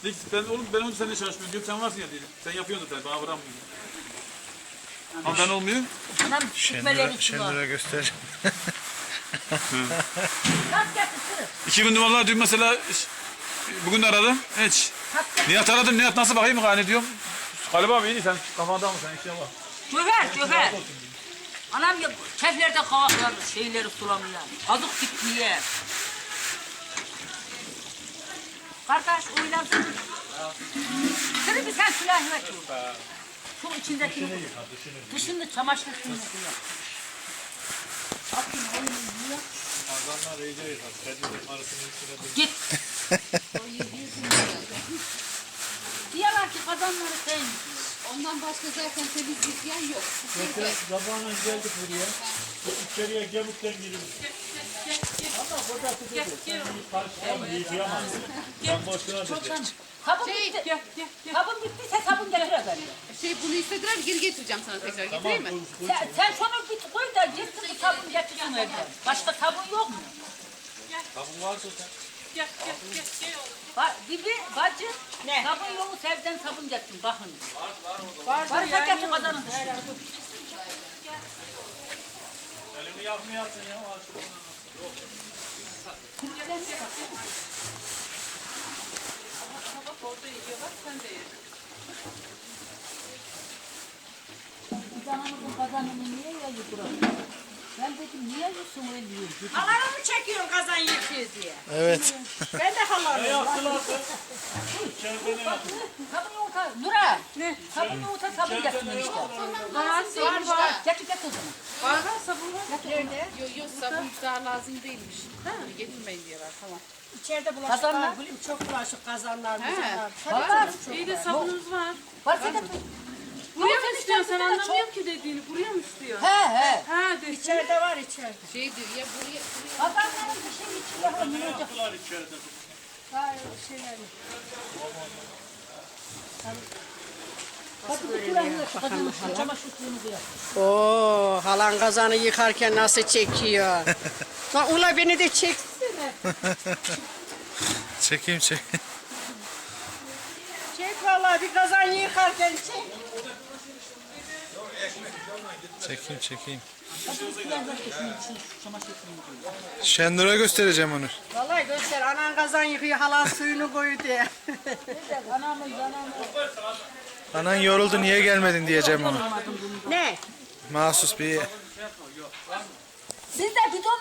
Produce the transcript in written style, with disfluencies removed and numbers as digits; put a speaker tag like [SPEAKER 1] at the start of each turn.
[SPEAKER 1] Ben onu seninle çalışmıyorum diyorum. Sen varsın ya dedim. Sen yapıyorsun zaten. Bana bırakmıyorsun. Ama ben olmuyor.
[SPEAKER 2] Anam çıkmelerini
[SPEAKER 3] Şendura göster.
[SPEAKER 2] Nasıl getirsin?
[SPEAKER 1] 2000 numaralar dün mesela bugün de aradım. Hiç. Nihat aradım. Nihat nasıl bakayım hani diyorum. Galiba abi iyi sen kafanda mı sen işe bak.
[SPEAKER 2] Göfer. Anam ya keflerde kavaklar şeyleri sulamıyor. Azık bitmiyor. Kardeş oynansın. Seni bir sen silahı ver. Şu içindeki dışını çamaşır suyunu koyuyor. Atın oyunu.
[SPEAKER 1] Azanlar iyice yıkar. Kendinin arasının içine
[SPEAKER 2] Git. Diyorlar ki kazanları sen.
[SPEAKER 4] Ondan başka zaten temizlik yer yok.
[SPEAKER 1] Zamanla geldik buraya. İçeriye gemikten giriyoruz. Ama kocası dedi. Sen bir karşıdan yıkayamazsın. Ben boşuna dedim.
[SPEAKER 2] Sabun bitti. Sabun bittiyse sabun getir efendim.
[SPEAKER 4] Bunu istediler, geri getireceğim sana tekrar. Getireyim mi?
[SPEAKER 2] Sen şunu bir koy da gitsin bu sabun getirsin evden. Başka sabun yok mu?
[SPEAKER 1] Sabun varsa sen.
[SPEAKER 2] Bacı, sabun yolu sevden sabun getirsin bakın. Var getir kazanın.
[SPEAKER 1] Elimi yakmayasın ya.
[SPEAKER 2] Kazanımızın kazanını niye yayı burası? Ben dedim niye yiyorsun öyle diyor.
[SPEAKER 5] Halanı mı çekiyorsun kazan yıkıyor diye?
[SPEAKER 3] Evet.
[SPEAKER 5] Ben de halanım.
[SPEAKER 2] Sabun yumurta, Nura. Ne? Sabun yumurta sabun getirsin işte.
[SPEAKER 4] Var.
[SPEAKER 2] Getir o zaman.
[SPEAKER 4] Var sabun var. Yok sabun daha lazım değilmiş. Getirmeyin diyorlar, tamam.
[SPEAKER 5] İçeride
[SPEAKER 2] Kazanlar.
[SPEAKER 5] bulaşıklar, bileyim çok bulaşık kazanlar, mızanlar.
[SPEAKER 2] Var.
[SPEAKER 6] İyi de sabunumuz var.
[SPEAKER 2] Varsa getir.
[SPEAKER 6] Buraya mı istiyorsun? Sen anlamıyorum ki dediğini. Buraya mı istiyor?
[SPEAKER 2] He.
[SPEAKER 6] Ha de.
[SPEAKER 5] İçeride var içeride.
[SPEAKER 4] Şey diyor ya buraya
[SPEAKER 2] Kazanların bir şey içiyor. Ne olacak?
[SPEAKER 1] Yaptılar içeride.
[SPEAKER 5] Var şeyler.
[SPEAKER 2] Hadi bir kulağına şu kazanın şu çamaşır suyunu koyar.
[SPEAKER 5] Oo, halan kazanı yıkarken nasıl çekiyor? Lan ula beni de çeksene.
[SPEAKER 3] Çekeyim.
[SPEAKER 5] Çek vallahi bir kazan yıkarken çek.
[SPEAKER 3] Çekeyim.
[SPEAKER 2] Hadi bir kulağına şu çamaşır suyunu koyar.
[SPEAKER 3] Şendura göstereceğim onu.
[SPEAKER 5] Vallahi göster anan kazan yıkıyor halan suyunu koyu diye.
[SPEAKER 2] Anamız.
[SPEAKER 3] Anan yoruldu niye gelmedin diyeceğim ona.
[SPEAKER 5] Ne?
[SPEAKER 3] Mahsus bir
[SPEAKER 2] Siz de bidon